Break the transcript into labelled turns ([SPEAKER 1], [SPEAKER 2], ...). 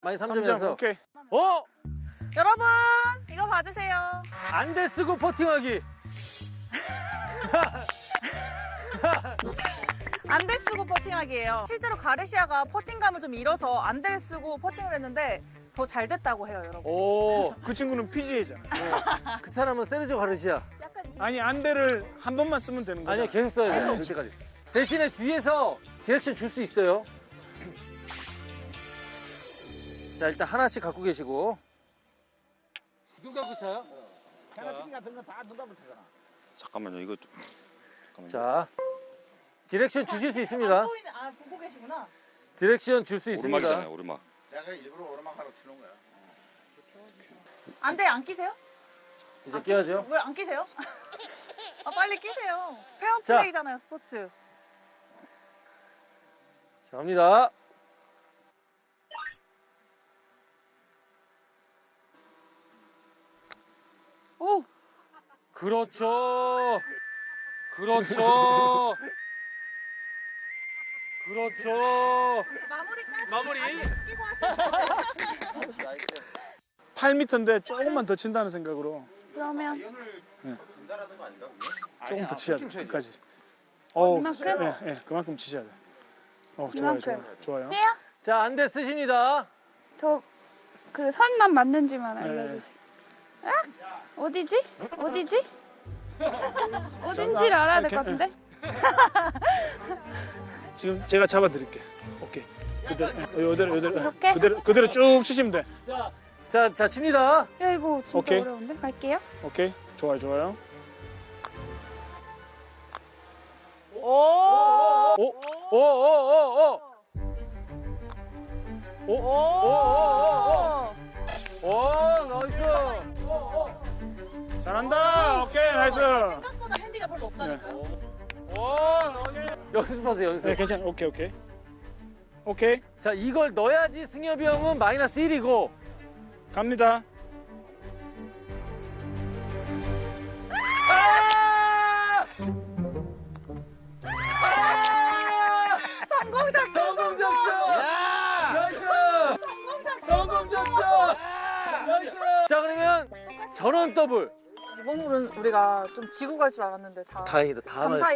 [SPEAKER 1] 많이 3점이라서.
[SPEAKER 2] 3점, 오케이.
[SPEAKER 3] 여러분 이거 봐주세요.
[SPEAKER 1] 안대 쓰고 퍼팅하기.
[SPEAKER 3] 안대 쓰고 퍼팅하기예요. 실제로 가르시아가 퍼팅감을 좀 잃어서 안대를 쓰고 퍼팅을 했는데 더 잘 됐다고 해요, 여러분.
[SPEAKER 1] 오,
[SPEAKER 2] 그 친구는 PGA잖아.
[SPEAKER 1] 그 사람은 세르지오 가르시아.
[SPEAKER 2] 아니 안대를 한 번만 쓰면 되는 거야.
[SPEAKER 1] 아니요, 계속 써야 돼요. 될 때까지. 대신에 뒤에서 디렉션 줄 수 있어요. 자, 일단 하나씩 갖고 계시고. 눈 감고 차요?
[SPEAKER 4] 잠깐만요, 이거 좀. 잠깐만요.
[SPEAKER 1] 자, 디렉션 주실 수 있습니다.
[SPEAKER 3] 보고 계시구나.
[SPEAKER 1] 디렉션 줄 수 있습니다.
[SPEAKER 4] 오르막이잖아요, 오르막.
[SPEAKER 5] 내가 일부러 오르막 하러 치는 거야.
[SPEAKER 3] 안대 안 끼세요?
[SPEAKER 1] 이제 끼워야죠.
[SPEAKER 3] 왜 안 끼세요? 빨리 끼세요. 페어플레이잖아요, 스포츠.
[SPEAKER 1] 자, 갑니다.
[SPEAKER 3] 오!
[SPEAKER 1] 그렇죠. 그렇죠. 그렇죠. 마무리.
[SPEAKER 2] 8m인데 조금만 더 친다는 생각으로
[SPEAKER 3] 그러면
[SPEAKER 2] 조금 더 치셔야 돼. 끝까지.
[SPEAKER 3] 이만큼?
[SPEAKER 2] 예, 그만큼 치셔야 돼. 좋아요,
[SPEAKER 6] 이만큼.
[SPEAKER 2] 좋아요.
[SPEAKER 6] 해요?
[SPEAKER 1] 자, 안대 쓰십니다.
[SPEAKER 6] 저 그 선만 맞는지만
[SPEAKER 2] 네.
[SPEAKER 6] 알려주세요. 아? 어디지? 어디지? 어딘지를 알아야 될 것
[SPEAKER 2] 이렇게,
[SPEAKER 6] 같은데?
[SPEAKER 2] 지금 제가 잡아드릴게. 오케이. 그대로,
[SPEAKER 6] 이렇게?
[SPEAKER 2] 그대로 쭉 치시면 돼.
[SPEAKER 1] 자, 칩니다.
[SPEAKER 6] 야 이거 진짜
[SPEAKER 2] 오케이.
[SPEAKER 6] 어려운데? 갈게요.
[SPEAKER 2] 오케이. 좋아요.
[SPEAKER 3] 오!
[SPEAKER 1] 나이스.
[SPEAKER 2] 잘한다. 오케이, 나이스.
[SPEAKER 3] 생각보다 핸디가 별로 없다니까요.
[SPEAKER 1] 연습하세요, 연습.
[SPEAKER 2] 네, 괜찮아. 오케이.
[SPEAKER 1] 자, 이걸 넣어야지 승엽이 형은 마이너스 1이고.
[SPEAKER 2] 갑니다.
[SPEAKER 3] 성공 작전!
[SPEAKER 1] 성공 작전! 나이스! 성공 작전! 나이스! 자, 그러면 전원 더블.
[SPEAKER 3] 이번 홀은 우리가 좀 지고 갈 줄 알았는데 다
[SPEAKER 1] 다행이다. 다
[SPEAKER 3] 감사히